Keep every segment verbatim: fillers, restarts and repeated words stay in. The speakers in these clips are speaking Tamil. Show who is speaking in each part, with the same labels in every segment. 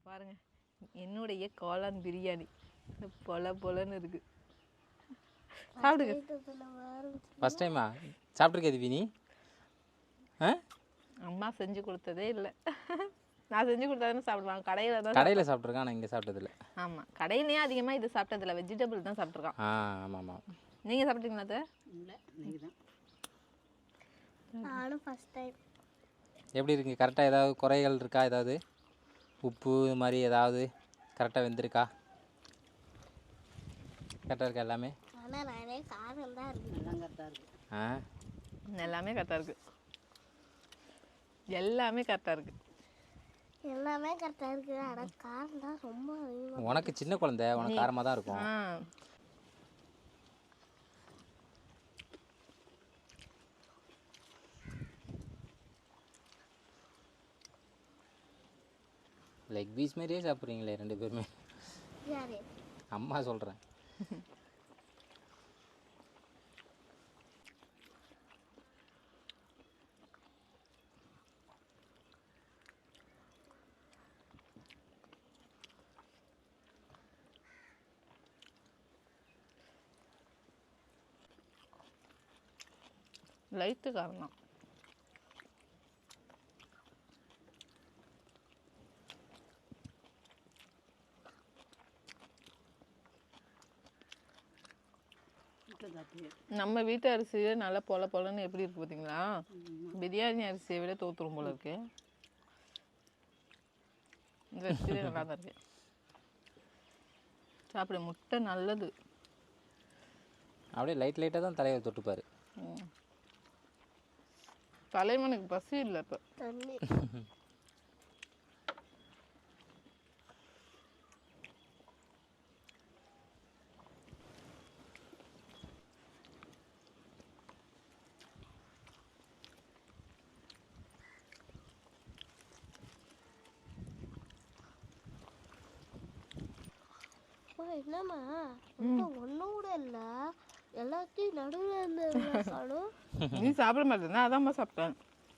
Speaker 1: பாருங்க என்னுடைய காளான் பிரியாணி பொல பொலன்னு இருக்கு. சாப்பிடுங்க.
Speaker 2: ஃபர்ஸ்ட் டைமா சாப்பிட்ருக்கே திவினி? ஆ
Speaker 1: அம்மா செஞ்சு கொடுத்ததே இல்லை. நான் செஞ்சு கொடுத்தாதானே சாப்பிடுவாங்க. கடையில் தான்
Speaker 2: கடையில் சாப்பிட்ருக்கேன், ஆனால் இங்கே சாப்பிட்டதில்ல.
Speaker 1: ஆமாம், கடையிலேயே அதிகமாக இது சாப்பிட்டதில்ல. வெஜிடபிள் தான் சாப்பிட்ருக்கான்.
Speaker 2: ஆ ஆமாம் ஆமாம்.
Speaker 1: நீங்கள் சாப்பிட்டீங்களா அது?
Speaker 3: இல்லை, நீங்கள் தான். நானும் ஃபஸ்ட் டைம்.
Speaker 2: எப்படி இருக்குது? கரெக்டாக ஏதாவது குறைகள் இருக்கா? ஏதாவது உப்பு இது மாதிரி ஏதாவது கரெக்டாக வெந்திருக்கா? கரெக்டாக இருக்கா எல்லாமே?
Speaker 3: ஆனால் நிறைய காரம் தான் இருக்குது. எல்லாம் கரெக்டாக இருக்குது.
Speaker 2: ஆ
Speaker 1: எல்லாமே கரெக்டாக இருக்குது. எல்லாமே கரெக்டாக இருக்குது.
Speaker 3: எல்லாமே கரெக்டாக இருக்குது. ஆனால் காரம் தான் ரொம்ப அதிகமாக.
Speaker 2: உனக்கு சின்ன குழந்தை, உனக்கு காரமாக தான் இருக்கும்.
Speaker 1: ஆ
Speaker 2: லெக் பீஸ் மாதிரியே சாப்பிட்றீங்களே ரெண்டு பேருமே.
Speaker 3: யாரு?
Speaker 2: அம்மா சொல்கிறேன்.
Speaker 1: லைட்டு காரம் தான். நம்ம வீட்டு அரிசியே நல்லா பொல பொலன்னு எப்படி இருக்கு பார்த்தீங்களா? பிரியாணி அரிசியை விட தோத்துரும் போல இருக்கு. இந்த அரிசியே நல்லா தான் இருக்கு. சாப்பிட முட்டை நல்லது.
Speaker 2: அப்படியே லைட் லைட்டாக தான் தலையை தொட்டுப்பார்.
Speaker 1: தலைவனுக்கு பசி இல்லை இப்போ.
Speaker 3: தண்ணி என்னம்மா ஒன்றும் கூட இல்லை, எல்லாத்தையும் நடுவில் இருந்து.
Speaker 1: நீ சாப்பிட மாட்டேன்னா அதான்மா சாப்பிட்டேன்.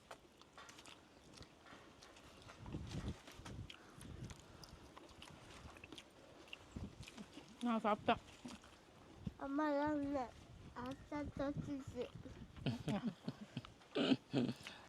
Speaker 1: நான் சாப்பிட்டேன்.
Speaker 3: அம்மா தான் இல்லை, ஆச்சா தோச்சிச்சு.